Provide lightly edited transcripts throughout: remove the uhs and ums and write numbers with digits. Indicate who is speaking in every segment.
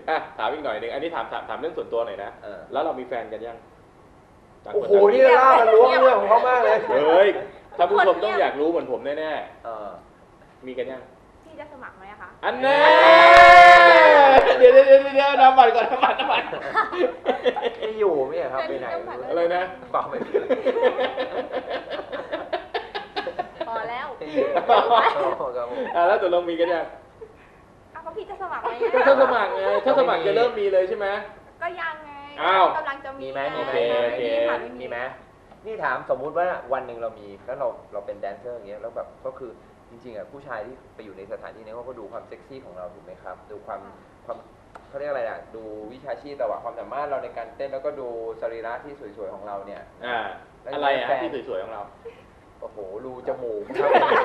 Speaker 1: ถามอีกหน่อยหนึ่งอันนี้ถามเรื่องส่วนตัวหน่อยนะแล้วเรามีแฟนกันยัง
Speaker 2: โอ้โหนี่ล่ามันล้วงเรื่องของเขามากเลย
Speaker 1: เฮ้ยท่านผู้ชมต้องอยากรู้เหมือนผมแน่ๆมีกันยัง
Speaker 3: พี่จะสมัครไหมคะ
Speaker 1: อันแน่เดี๋ยวน้ำมันก่อนน้ำมัน
Speaker 2: ไม่อยู่ไม่ครับไปไหน
Speaker 1: อะไรนะ
Speaker 2: ฟังไม่
Speaker 3: พอแล้ว
Speaker 1: แล้วตกลงมีกันยัง
Speaker 3: ก็พี่จะสมัครไหม
Speaker 1: ถ้าสมัครไงถ้าสมัครจะเริ่มมีเลยใช่ไหม
Speaker 3: ก็ยังไงกำลังจะมี
Speaker 2: ไหมมีไหมนี่ถามสมมุติว่าวันหนึ่งเรามีแล้วเราเป็นแดนเซอร์อย่างเงี้ยแล้วแบบก็คือจริงๆผู้ชายที่ไปอยู่ในสถานที่นี้เขาก็ดูความเซ็กซี่ของเราถูกไหมครับดูความเขาเรียกอะไรอ่ะดูวิชาชีพแต่ว่าความสามารถเราในการเต้นแล้วก็ดูสรีระที่สวยๆของเราเนี่ย
Speaker 1: อะไรอ่ะที่สวยๆของเรา
Speaker 2: โอ้โหรูจมูก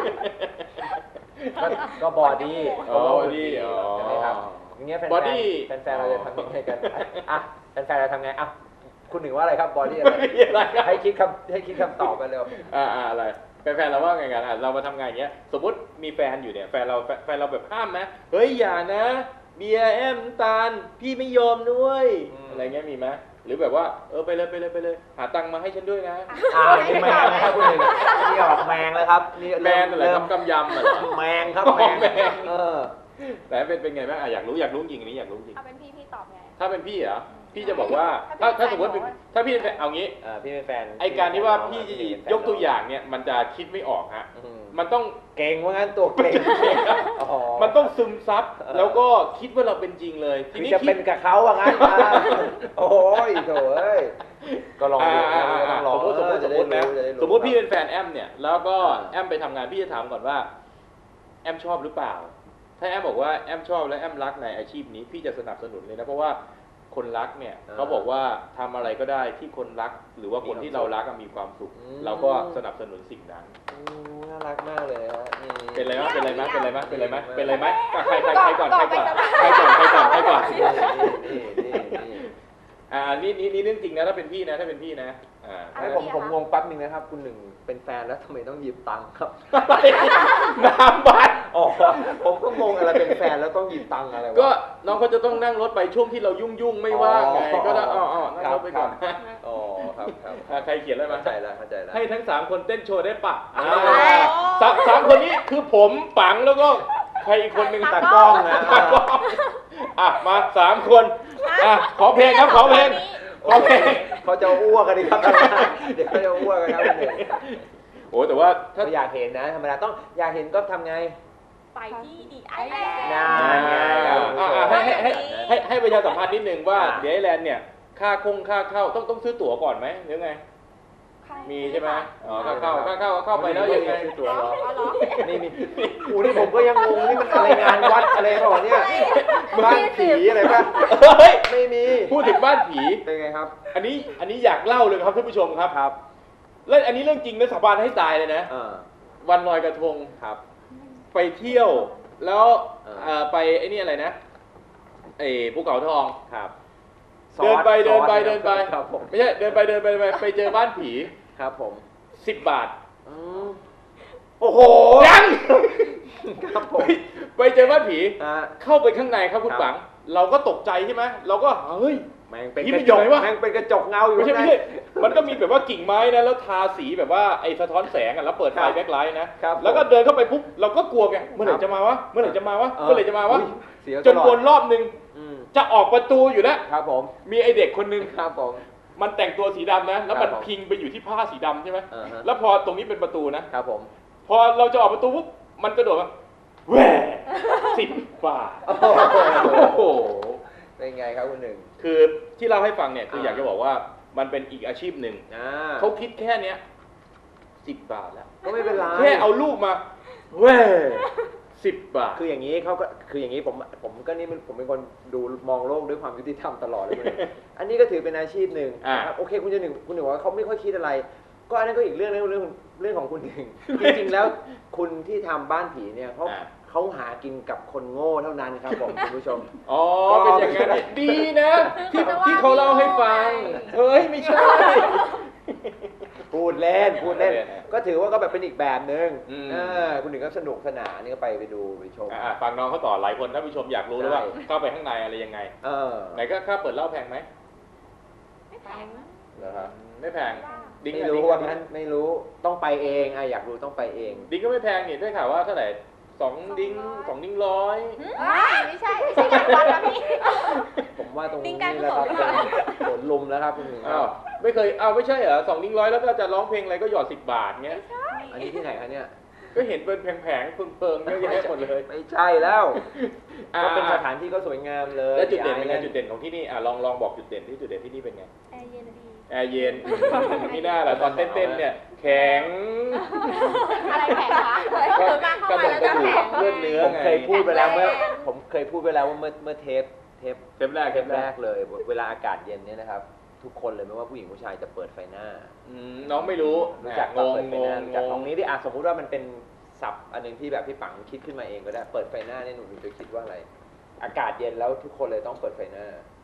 Speaker 2: ก็บอดี้ใช่ไหมครับอย่างเงี้ยแฟนเราจะทำยังไงกันอ่ะแฟนเราทำไงอ่ะคุณหนึ่งว่าอะไรครับบอดี้อะไรให้คิดคำตอบไปเร็ว
Speaker 1: อะไรแฟนเราว่าไงกันเรามาทำงานอย่างเงี้ยสมมติมีแฟนอยู่เนี่ยแฟนเราแบบห้ามไหมเฮ้ยอย่านะเบียร์ตาลพี่ไม่ยอมด้วยอะไรเงี้ยมีไหมหรือแบบว่าไปเลยหาตังค์มาให้ฉันด้วยนะ
Speaker 2: นี่แมงนะครับคุณหนึ่งนี่ออกแมงแล้วครับนี่
Speaker 1: แมงอะไรกำยำอะไร
Speaker 2: แมงครับแมง
Speaker 1: แต่เป็นไงบ้างอยากรู้จริงอันนี้อยากรู้จริง
Speaker 3: เอาเป็นพี่ตอบไง
Speaker 1: ถ้าเป็นพี่เหรอพี่จะบอกว่าถ้าสมมติถ้าพี่เป็นเอางี้
Speaker 2: พี่เป็นแฟน
Speaker 1: ไอการที่ว่าพี่ยกตัวอย่างเนี่ยมันจะคิดไม่ออกฮะมันต้อง
Speaker 2: เก่งว่างั้นตัวเก่ง
Speaker 1: มันต้องซึมซับแล้วก็คิดว่าเราเป็นจริงเลย
Speaker 2: ทีนี้จะเป็นกับเขาว่างั้นโอ้ยโถ่เอ้ยก็ลองดู
Speaker 1: สมมติพี่เป็นแฟนแอมเนี่ยแล้วก็แอมไปทำงานพี่จะถามก่อนว่าแอมชอบหรือเปล่าถ้าแอมบอกว่าแอมชอบและแอมรักในอาชีพนี้พี่จะสนับสนุนเลยนะเพราะว่าคนรักเนี่ยเขาบอกว่าทำอะไรก็ได้ที่คนรักหรือว่าคนที่เรารักมีความสุขเราก็สนับสนุนสิ่งนั้น
Speaker 2: น่ารักมากเลยฮะ
Speaker 1: เป็นไรไหมใครก่อนใครก่อนนี่
Speaker 2: นี่
Speaker 1: เรื่องจริงนะถ้าเป็นพี่นะ
Speaker 2: ผมงงแป๊บนึงนะครับคุณหนึ่งเป็นแฟนแล้วทำไมต้องหยิบตังค์ครับ
Speaker 1: น้ำบัตร
Speaker 2: ผมก็งงอะไรเป็นแฟนแล้วต้องหยิบตังค์อะไร
Speaker 1: ก็น้องเขาจะต้องนั่งรถไปช่วงที่เรายุ่งไม่ว่างไงก็ได้นั่งรถไปก่อน
Speaker 2: ครับ
Speaker 1: ใครเขียนอะไรมา
Speaker 2: เข้าใจแล้ว
Speaker 1: ให้ทั้ง3คนเต้นโชว์ได้ปะ3คนนี้คือผมปังแล้วก็ใครอีกคนหนึ่ง
Speaker 2: ตากล้องนะ
Speaker 1: มา3คนขอเพลงครับขอเพลง
Speaker 2: เขาจะอ้วกกันดิครับเดี๋ยวเขาจะอ้วกกันครับ
Speaker 1: โอ้แต่ว่า
Speaker 2: ถ้าอยากเห็นนะธรรมดาต้องอยากเห็นก็ทำไง
Speaker 3: ไปที่ดีไอแลน
Speaker 1: ด์ให้ประชาสัมพันธ์นิดนึงว่าดีไอแลนด์เนี่ยค่าเข้าต้องซื้อตั๋วก่อนไหมหรือไงมีใช่ไหมค่าเข้าไปแล้วยังไง
Speaker 2: ซื้อตั๋วเหรอนี่นี่ผมก็ยังงงนี่มันอะไรงานวัดอะไรเปล่าเนี่ยบ้านผีอะไรป่ะไม่มี
Speaker 1: พูดถึงบ้านผี
Speaker 2: เป็นไงครับ
Speaker 1: อันนี้อยากเล่าเลยครับท่านผู้ชมครับแล้วอันนี้เรื่องจริงนะสาบานให้ตายเลยนะวันลอยกระทง
Speaker 2: ครับ
Speaker 1: ไปเที่ยวแล้วไปไอ้นี่อะไรนะภูเขาทอง
Speaker 2: ครับ
Speaker 1: เดินไปไม่ใช่เดินไปไปเจอบ้านผี
Speaker 2: ครับผม
Speaker 1: 10 บาท
Speaker 2: โอ้โห
Speaker 1: ยัง
Speaker 2: ครับผม
Speaker 1: ไปเจอบ้านผีเข้าไปข้างในครับคุณปังเราก็ตกใจใช่ไหมเราก็เฮ้ย
Speaker 2: แม่งเป็นกระจกแม่งเป็นกระจกเงาอยู่
Speaker 1: ไม่ใช่มันก็มีแบบว่ากิ่งไม้นะแล้วทาสีแบบว่าไอ้สะท้อนแสงแล้วเปิดไฟแบ็คไลท์นะแล้วก็เดินเข้าไปปุ๊บเราก็กลัวไงเมื่อไหร่จะมาวะจนวนรอบนึงจะออกประตูอยู่แล้ว
Speaker 2: ครับผม
Speaker 1: มีไอเด็กคนนึง
Speaker 2: ครับผม
Speaker 1: มันแต่งตัวสีดำนะแล้วมันพิงไปอยู่ที่ผ้าสีดำใช่ไหมแล้วพอตรงนี้เป็นประตูนะครับ
Speaker 2: ผม
Speaker 1: พอเราจะออกประตูปุ๊บมันกระโดดมาแหว10 บาทโอ้โห
Speaker 2: เป็นไงครับคุณหนึ่ง
Speaker 1: คือที่เล่าให้ฟังเนี่ยคืออยากจะบอกว่ามันเป็นอีกอาชีพหนึ่งเขาคิดแค่เนี้ย10 บาทแล้ว
Speaker 2: ก็ไม่เป็นไร
Speaker 1: แค่เอาลูกมาแหว10 บาท
Speaker 2: คืออย่างนี้เขาก็คืออย่างนี้ผมก็นี่ผมเป็นคนดูมองโลกด้วยความยุติธรรมตลอดเลยอันนี้ก็ถือเป็นอาชีพหนึ่งนะครับโอเคคุณหนึ่งว่าเขาไม่ค่อยคิดอะไรก็อันนั้นก็อีกเรื่องของคุณหนึ่งจริงๆแล้วคุณที่ทำบ้านผีเนี่ยเขาหากินกับคนโง่เท่านั้นครับผมคุณผู้ชม
Speaker 1: เป็นอย่างนั้นดีนะที่เขาเล่าให้ฟังเฮ้ยไม่ใช่
Speaker 2: พูดเล่นก็ถือว่าก็แบบเป็นอีกแบบหนึ่ง
Speaker 1: อืม
Speaker 2: คุณหนึ่งก็สนุกสนานนี่ก็ไปดูไปชม
Speaker 1: ฟังน้องเขาต่อหลายคนท่านผู้ชมอยากรู้แล้วว่า
Speaker 2: ใช่
Speaker 1: เข้าไปข้างในอะไรยังไง
Speaker 2: เออ
Speaker 1: ไหนก็ค่าเปิดเหล้าแพงไหม
Speaker 3: ไม่แพงนะ
Speaker 2: เหรอครับ
Speaker 1: ไม่แพงดิ้ง
Speaker 2: ไม่
Speaker 1: อะ
Speaker 2: รู้
Speaker 1: ดิ้ง
Speaker 2: ว่า
Speaker 1: อะ
Speaker 2: งั้นไม่รู้ต้องไปเองอยากรู้ต้องไปเอง
Speaker 1: ดิ้งก็ไม่แพงนี่ได้ข่าวว่าเท่าไหร่2 ดิ้งร้อย
Speaker 3: ไม่ใช่งานวัดนะพี่
Speaker 2: ผมว่าตรง
Speaker 3: ดิ้
Speaker 2: นี้
Speaker 3: งการกุ
Speaker 2: แล้ว
Speaker 3: ศ
Speaker 2: ครั
Speaker 3: ล
Speaker 2: บเป็นสวนลุมแล้วครับคุณหนึ่ง
Speaker 1: อ้าวไม่เคยไม่ใช่เหรอ2 ดิ้งร้อยแล้วก็จะร้องเพลงอะไรก็หยอด10 บาทเงี้ย
Speaker 2: อันนี้ที่ไหนคะเนี่ย
Speaker 1: ก็เห็นเป็นแผงๆเพิงๆเยอะแยะหมดเลย
Speaker 2: ไม่ใช่แล้วก็เป็นส
Speaker 1: อ่า
Speaker 2: ถานที่ก็สวยงามเลย
Speaker 1: แล้วจุดเด่นเป็นไง
Speaker 2: ย้าย
Speaker 1: จุดเด่นของที่นี่ลองบอกจุดเด่นที่จุดเด่นที่นี่เป็นไง
Speaker 3: แอร์เย็นดี
Speaker 1: แอร์เย็นนี่น่าแหละตอนเต้นๆเนี่ยแข็ง
Speaker 3: อะไรแข็งคะ
Speaker 1: ก็
Speaker 3: เกิดมาเข้ามาแล้วจะแข็ง
Speaker 1: เลือดเนื้อ
Speaker 2: ผม
Speaker 1: ไง
Speaker 2: เคยพูดไปแล้วเมื่อ
Speaker 3: แข็งแรง
Speaker 2: ผมเคยพูดไปแล้วว่าเมื่อเทป
Speaker 1: เทปแรก
Speaker 2: แรกเลย เวลาอากาศเย็นเนี่ยนะครับ ทุกคนเลยไม่ว่าผู้หญิงผู้ชายจะเปิดไฟหน้า
Speaker 1: น้องไม่รู้
Speaker 2: รู้จัก
Speaker 1: ง
Speaker 2: ปะ
Speaker 1: ง
Speaker 2: เปิดไฟ
Speaker 1: ง
Speaker 2: หน้าง รู้จัก
Speaker 1: ง
Speaker 2: ตรงนี้ที่สมมุติว่ามันเป็นศัพท์อันหนึงที่แบบพี่ปังคิดขึ้นมาเองก็ได้เปิดไฟหน้าเนี่ยหนูจะคิดว่าอะไร อากาศเย็นแล้วทุกคนเลยต้องเปิดไฟหน้า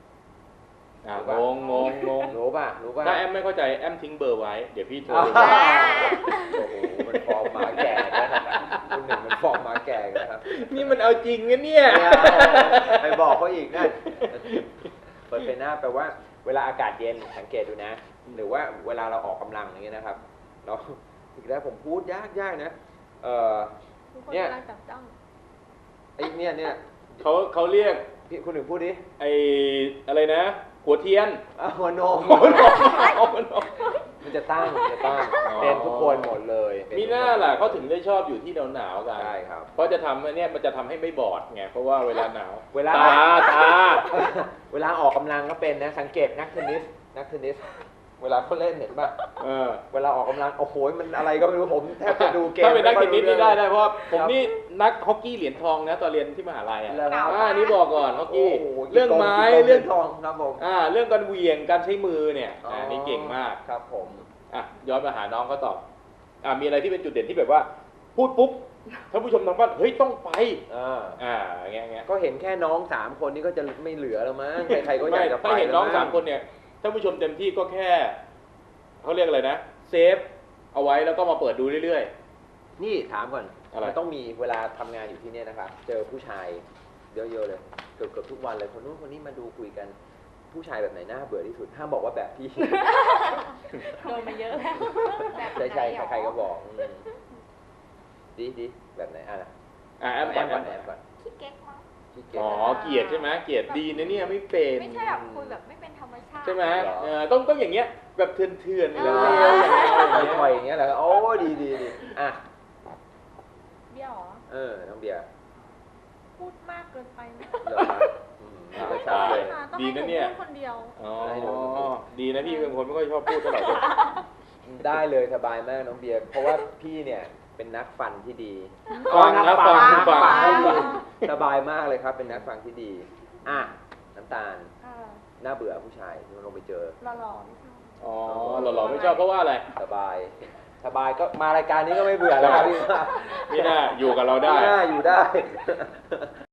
Speaker 1: งง
Speaker 2: รู้ป่ะ
Speaker 1: ถ้าแอมไม่เข้าใจแอมทิ้งเบอร์ไว้ เดี๋ยวพี่โทร
Speaker 2: อ้าว
Speaker 1: ไป
Speaker 2: โอ้โหมันฟอร์มหมาแก่นะครับคุณหนึ่งมันฟอร์มหมาแก่นะครับ
Speaker 1: นี่มันเอาจริงนะเนี่ย
Speaker 2: ไปบอกเขาอีกนะเปิดไฟหน้าแปลว่าเวลาอากาศเย็นสังเกตดูนะ หรือว่าเวลาเราออกกำลังอย่างเงี้ยนะครับเราอีกแล้วผมพูดยากนะ
Speaker 3: ทุกคน
Speaker 2: เนี่ย
Speaker 3: กำลังจับจ้อง
Speaker 2: ไอ้เนี่ย
Speaker 1: เขาเรียก
Speaker 2: พี่คุณหนึ่งพูดดิ
Speaker 1: ไอ้อะไรนะ หัวเทียน
Speaker 2: หัวนม
Speaker 1: หัวนม
Speaker 2: มันจะตั้งเป็นทุกคนหมดเลยเป็
Speaker 1: มีหน้าล่ะเขาถึงได้ชอบอยู่ที่หนาวๆกัน
Speaker 2: ใช่ครับ
Speaker 1: เพราะจะทำเนี่ยมันจะทำให้ไม่บอดไงเพราะว่าเวลาหนาว
Speaker 2: เวลา
Speaker 1: ตา
Speaker 2: เวลาออกกำลังก็เป็นนะสังเกตนักเทนนิสเวลาเขาเล่นเห็นป่ะ เวลาออกกำลังโอ้โหมันอะไรก็ไม่รู้ผมแทบจะดูเกม
Speaker 1: ถ้าเป็นนักเทนนิสนี่ได้เพราะผม
Speaker 2: ครับ
Speaker 1: นี่นักฮอกกี้เหรียญทองนะตอนเรียนที่มหาลัยอ่ะ
Speaker 2: แล้วครับ
Speaker 1: นี่บอกก่อนฮอกกี้
Speaker 2: โโห
Speaker 1: เรื่องไม้
Speaker 2: กี่
Speaker 1: เรื่อง
Speaker 2: ทองครับผม
Speaker 1: เรื่องการเหวี่ยงการใช้มือเนี่ยนี่เก่งมาก
Speaker 2: ครับผม
Speaker 1: ย้อนมาหาน้องเขาตอบมีอะไรที่เป็นจุดเด่นที่แบบว่า พูดปุ๊บท่านผู้ชมทางบ้านเฮ้ยต้องไปเงี้ย
Speaker 2: ก็เห็นแค่น้อง3คนนี้ก็จะไม่เหลือแล้วมั้งใครๆก็อยากจะไป
Speaker 1: ถ้าเห็นน้อง
Speaker 2: แล้วมั้
Speaker 1: 3 คนเนี่ยท่านผู้ชมเต็มที่ก็แค่เขาเรียกอะไรนะเซฟเอาไว้แล้วก็มาเปิดดูเรื่อย
Speaker 2: นี่ถามก่อน
Speaker 1: อะไร
Speaker 2: มันต้องมีเวลาทำงานอยู่ที่เนี่ยนะครับ เจอผู้ชายเยอะๆเลยเกือบทุกวันเลยคนนู้นคนนี้มาดูคุยกันผู้ชายแบบไหนน่าเบื่อที่สุดห้ามบอกว่าแบบพี่
Speaker 3: โดนมาเยอะแล้วแบบ
Speaker 2: ใช่
Speaker 3: ไหนหรอ
Speaker 2: ใครๆก็บอกดีแบบไหนอ่ะ
Speaker 1: แอม
Speaker 2: แอ
Speaker 1: ก่อน
Speaker 2: มก่อนแอมก่อน
Speaker 3: ขี้เก๊กมั้ง
Speaker 2: ขี้เกียจ
Speaker 1: เกลียดใช่ไหมเกลียดดีนะเนี่ยไม่เป็น
Speaker 3: ไม่ใช่แบบคุยแบบไม่เป็นธรรมชาติ
Speaker 1: ใช่ไหม
Speaker 2: เหรอ
Speaker 1: ต้องอย่างเงี้ยแบบเถื่อนๆ
Speaker 3: เอ
Speaker 1: เร็
Speaker 3: อ
Speaker 1: วๆอย่างเงี้ย
Speaker 2: ปล่อยอย่างเงี้ยเหรอโอ้ดีอ่ะ
Speaker 3: เบี้ยวเหรอ
Speaker 2: น้องเบียร์
Speaker 3: พูดมากเกินไปไหม
Speaker 2: เหรอนี่ก็ชัดเลย
Speaker 3: ต้องให้หนูพูดคนเดียว
Speaker 1: ดีนะพี่เป็นคนไม่ค่อยชอบพูดเท่าไหร่
Speaker 2: ได้เลยสบายมากน้องเบียร์เพราะว่าพี่เนี่ยเป็นนักฟันที่ดี
Speaker 1: ฟังนะฟัง
Speaker 2: นัก
Speaker 1: ฟัง
Speaker 2: ที่ดีสบายมากเลยครับ เป็นนักฟังที่ดีอ่ะน้ำตาลน่าเบื่อผู้ชายที่มันลงไปเจอ
Speaker 3: หล่อๆไม่ชอบ
Speaker 1: หล่อๆไม่ชอบเพราะว่าอะไร
Speaker 2: สบายก็มารายการนี้ก็ไม่เบื่อแล้วครับพี่
Speaker 1: นี่น่าอยู่กับเราได้
Speaker 2: น่าอยู่ได้